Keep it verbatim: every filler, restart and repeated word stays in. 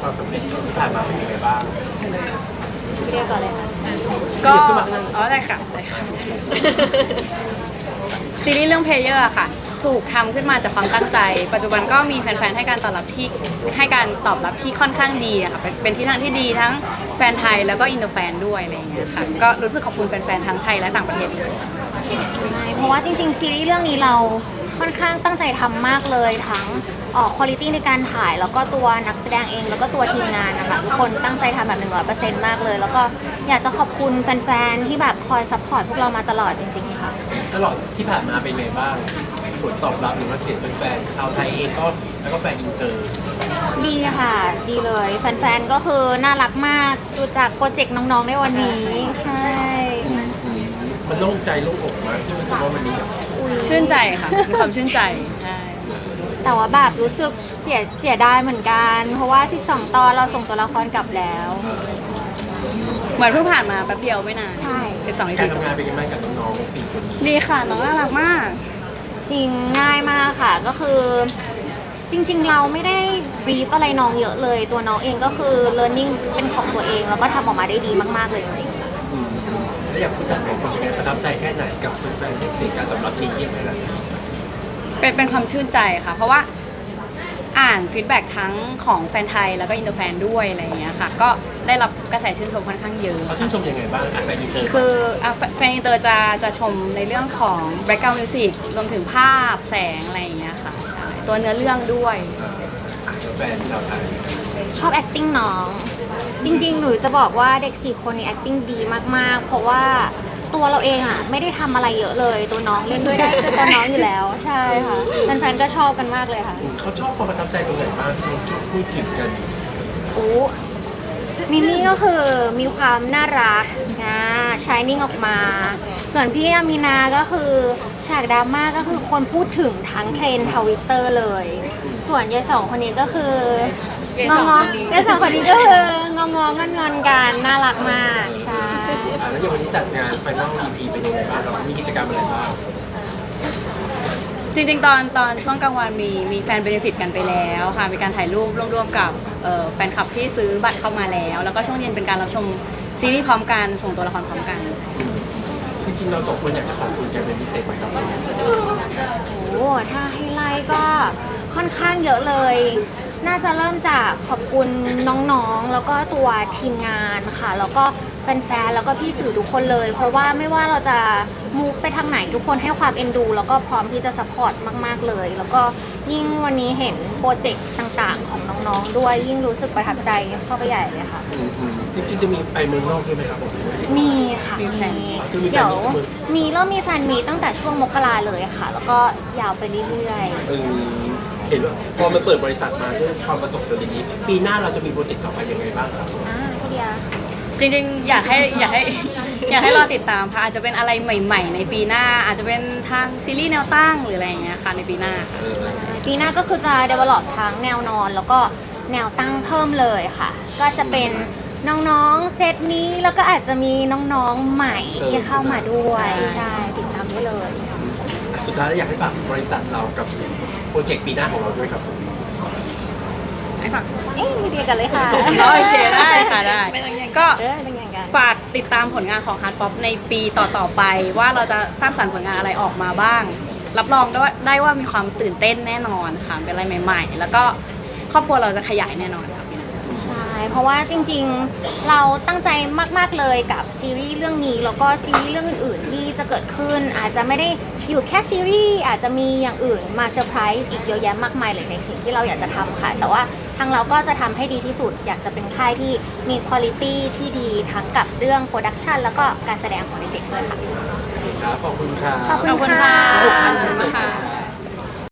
ความสำเร็จที่ผ่านมาเป็นยังไงบ้างเรียกก่อนเลยค่ะก็อ๋อได้ค่ะได้ค่ะซีรีส์เรื่องเพลเยอร์ค่ะถูกทำขึ้นมาจากความตั้งใจปัจจุบันก็มีแฟนๆให้การตอบรับที่ให้การตอบรับที่ค่อนข้างดีอะค่ะเป็นเป็นที่ทางที่ดีทั้งแฟนไทยแล้วก็อินเตอร์แฟนด้วยอะไรอย่างเงี้ยค่ะก็รู้สึกขอบคุณแฟนๆทั้งไทยและต่างประเทศเลยใช่เพราะว่าจริงๆซีรีส์เรื่องนี้เราค่อนข้างตั้งใจทำมากเลยทั้งออกคุณภาพในการถ่ายแล้วก็ตัวนักแสดงเองแล้วก็ตัวทีมงานนะคะทุกคนตั้งใจทำแบบ หนึ่งร้อยเปอร์เซ็นต์ มากเลยแล้วก็อยากจะขอบคุณแฟนๆที่แบบคอยซัพพอร์ตพวกเรามาตลอดจริงๆค่ะตลอดที่ผ่านมาเป็นไงบ้างผลตอบรับหรือว่าเสียงแฟนๆชาวไทยเองก็แล้วก็แฟนอินเตอร์ดีค่ะดีเลยแฟนๆก็คือน่ารักมากดูจากโปรเจกต์น้องๆในวันนี้ใช่มันโล่งใจโล่งอกมากที่รู้สึกว่าวันนี้ชื่นใจค่ะมีความชื่นใจใช่แต่ว่าแบบรู้สึกเสียเสียดายเหมือนกันเพราะว่าสิบสองตอนเราส่งตัวละครกลับแล้วเหมือนเพิ่งผ่านมาแป๊บเดียวไม่นานใช่สิบสองอีการทำงานเป็นยังไงกับน้องๆสี่คนนี้ดีค่ะน้องน่ารักมากจริงง่ายมากค่ะก็คือจริงๆเราไม่ได้บรีฟอะไรน้องเยอะเลยตัวน้องเองก็คือ learning เป็นของตัวเองแล้วก็ทำออกมาได้ดีมากๆเลยจริงๆแล้วอยากพูดจากเป็นคนยังไงประทับใจแค่ไหนกับแฟนๆที่สิ่งการตอบรับที่เยี่ยมขนาดนี้เป็นเป็นความชื่นใจค่ะเพราะว่าอ่านฟีดแบ็กทั้งของแฟนไทยแล้วก็อินเตอร์แฟนด้วยอะไรอย่างเงี้ยค่ะก็ได้รับกระแสชื่นชมค่อนข้างเยอะเขาชื่นชมยังไงบ้างอ่านแฟนอินเตอร์คือแฟนอินเตอร์จะจะชมในเรื่องของ background music รวมถึงภาพแสงอะไรอย่างเงี้ยค่ะตัวเนื้อเรื่องด้วยแฟนชาวไทยชอบ acting น้องจริงๆหนูจะบอกว่าเด็กสี่คนนี้ acting ดีมากๆเพราะว่าตัวเราเองอ่ะไม่ได้ทำอะไรเยอะเลยตัวน้องเล่นด้วยได้ตัวน้องอยู่แล้วใช่ค่ะแฟนๆก็ชอบกันมากเลยค่ะเขาชอบความประทับใจตรงไหนบ้างที่เราพูดถึงกันโอ้มิมี่ก็คือมีความน่ารักนะชายนิ่งออกมาส่วนพี่อามีนาก็คือฉากดราม่าก็คือคนพูดถึงทั้งเทรนด์ทวิตเตอร์เลยส่วนยายสองคนนี้ก็คืององๆยายสองคนนี้ก็คืององๆงอนๆกันน่ารักมากใช่แล้วอย่างวันนี้จัดงานไฟนอล อี พี เป็นยังไงบ้างมีกิจกรรมอะไรบ้างจริงๆตอนตอนช่วงกลางวันมีมีแฟนเบเนฟิตกันไปแล้วค่ะมีการถ่ายรูปร่วมๆกับแฟนคลับที่ซื้อบัตรเข้ามาแล้วแล้วก็ช่วงเย็นเป็นการรับชมซีรีส์พร้อมกันส่งตัวละครพร้อมกันจริงๆเราสองคนอยากจะขอบคุณแกเป็นพิเศษไหมครับโอ้ถ้าให้ไล่ก็ค่อนข้างเยอะเลยน่าจะเริ่มจากขอบคุณน้องๆแล้วก็ตัวทีมงานค่ะแล้วก็แฟนๆแล้วก็พี่สื่อทุกคนเลยเพราะว่าไม่ว่าเราจะมูฟไปทางไหนทุกคนให้ความเอ็นดูแล้วก็พร้อมที่จะซัพพอร์ตมากๆเลยแล้วก็ยิ่งวันนี้เห็นโปรเจกต์ต่างๆของน้องๆด้วยยิ่งรู้สึกประทับใจเข้าไปใหญ่เลยค่ะจริงๆจะมีไปเมืองนอกด้วยไหมครับผมมีค่ะมีเดี๋ยวมีเริ่มมีแฟนมีตั้งแต่ช่วงมกราเลยค่ะแล้วก็ยาวไปเรื่อยๆเห็นว่าพอมาเปิดบริษัทมาด้วยความประสบการณ์นี้ปีหน้าเราจะมีโปรเจกต์ต่อไปยังไงบ้างครับอ่าพี่เดียจริงๆอยากให้อยากให้อยากให้รอติดตามค่ะอาจจะเป็นอะไรใหม่ๆในปีหน้าอาจจะเป็นทางซีรีส์แนวตั้งหรืออะไรอย่างเงี้ยค่ะในปีหน้าปีหน้าก็คือจะ develop ทั้งแนวนอนแล้วก็แนวตั้งเพิ่มเลยค่ะก็จะเป็นน้องๆเซตนี้แล้วก็อาจจะมีน้องๆใหม่ที่เข้ามาด้วยใช่ติดตามได้เลยสุดท้ายแล้วอยากให้ฝากบริษัทเรากับโปรเจกต์ปีหน้าของเราด้วยครับให้ฝากเอ๊ะมีเดียกันเลยค่ะโอเคได้ค่ะได้ก็ฝากติดตามผลงานของ Heart Pop ในปีต่อๆไปว่าเราจะสร้างสรรค์ผลงานอะไรออกมาบ้างรับรองได้ว่าได้ว่ามีความตื่นเต้นแน่นอนค่ะเป็นอะไรใหม่ๆแล้วก็ครอบครัวเราจะขยายแน่นอนค่ะใช่เพราะว่าจริงๆเราตั้งใจมากๆเลยกับซีรีส์เรื่องนี้แล้วก็ซีรีส์เรื่องอื่นๆที่จะเกิดขึ้นอาจจะไม่ได้อยู่แค่ซีรีส์อาจจะมีอย่างอื่นมาเซอร์ไพรส์อีกเยอะแยะมากมายเลยในสิ่งที่เราอยากจะทำค่ะแต่ว่าทางเราก็จะทำให้ดีที่สุดอยากจะเป็นค่ายที่มีคุณภาพที่ดีทั้งกับเรื่องโปรดักชันแล้วก็การแสดงของเด็กๆด้วยค่ะขอบคุณค่ะขอบคุณค่ะ